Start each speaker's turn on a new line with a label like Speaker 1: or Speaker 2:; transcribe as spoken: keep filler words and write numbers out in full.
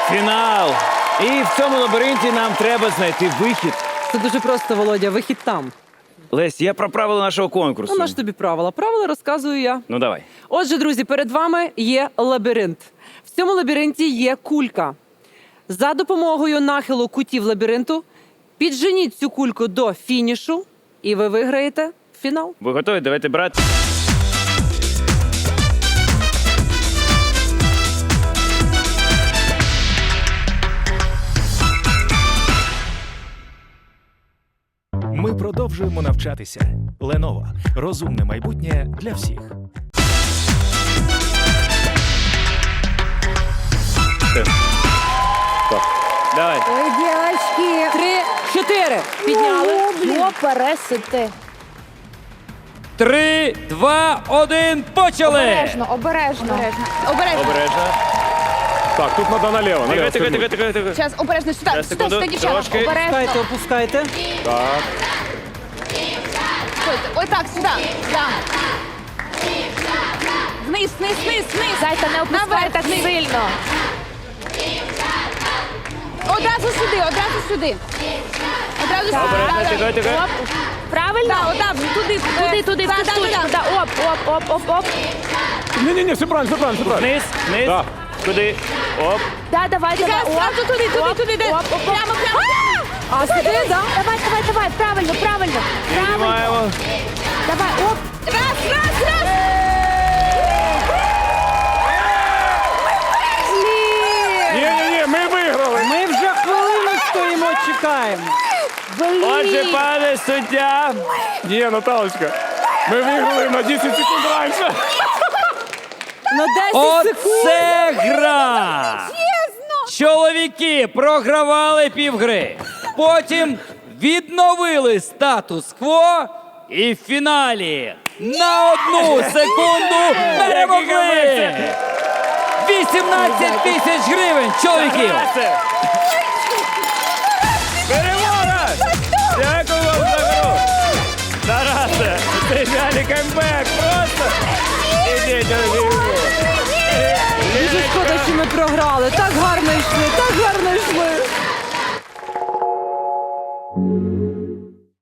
Speaker 1: Фінал. І в цьому лабіринті нам треба знайти вихід.
Speaker 2: Це дуже просто, Володя, вихід там.
Speaker 1: Лесь, я про правила нашого конкурсу.
Speaker 2: Ну, на ж тобі правила. Правила розказую я.
Speaker 1: Ну, давай.
Speaker 2: Отже, друзі, перед вами є лабіринт. В цьому лабіринті є кулька. За допомогою нахилу кутів лабіринту підженіть цю кульку до фінішу, і ви виграєте фінал.
Speaker 1: Ви готові? Давайте брати.
Speaker 3: Ми продовжуємо навчатися. Lenovo. Розумне майбутнє для всіх.
Speaker 1: Давай.
Speaker 4: Ой, дівчатки.
Speaker 2: Три, чотири. Підняли.
Speaker 4: Йо, пересити.
Speaker 1: Три, два, один, почали!
Speaker 4: Обережно, обережно. Обережно. Обережно.
Speaker 1: Обережно.
Speaker 5: Так, тут надо налево.
Speaker 1: Тихо,
Speaker 5: налево
Speaker 1: тихо,
Speaker 5: свернуть.
Speaker 1: тихо, тихо, тихо.
Speaker 4: Зараз, обережно, сюди,
Speaker 1: Зараз,
Speaker 4: сюди,
Speaker 1: секунду,
Speaker 4: сюди, дівчата.
Speaker 1: трошки.
Speaker 2: Опускайте,
Speaker 4: Обережно.
Speaker 2: опускайте.
Speaker 5: Так.
Speaker 4: Стойте. Ой, так, сюди. Да. Вниз, вниз, вниз, вниз. Зайка, не опускай так сильно. Одразу сюди, одразу сюди. Одразу сюди.
Speaker 1: Обережно,
Speaker 4: Да, да.
Speaker 1: тихо, тихо.
Speaker 4: Правильно? Так, отак, туди, туди, туди, в цю штучку. Да, оп, оп, оп, оп, оп.
Speaker 5: Не-не-не, все правильно, все правильно, все правильно.
Speaker 1: Вниз, вниз.
Speaker 5: Да.
Speaker 1: Куди? Оп.
Speaker 4: Да, давай, давай. Зразу туди, туди, туди, де. Прямо, прямо.
Speaker 2: А сюди, да?
Speaker 4: Давай, давай, давай, правильно, правильно. Правильно.
Speaker 1: Піднімаємо.
Speaker 4: Давай, оп. Раз, раз, раз.
Speaker 5: Не-не-не, ми виграли.
Speaker 2: Ми вже хвилину стоїмо, чекаємо.
Speaker 1: Отже, пане суддя.
Speaker 5: Не, Наталочка, ми виграли на десять секунд раніше.
Speaker 2: На десять секунд.
Speaker 1: Оце гра! Чоловіки програвали півгри. Потім відновили статус-кво і в фіналі на одну секунду перемогли! вісімнадцять тисяч гривень, чоловіків! Перемога! Дякую вам за гру! Тарасе, це реальний камбек! Просто! Ідіть,
Speaker 2: Дуже шкода, що ми програли. Так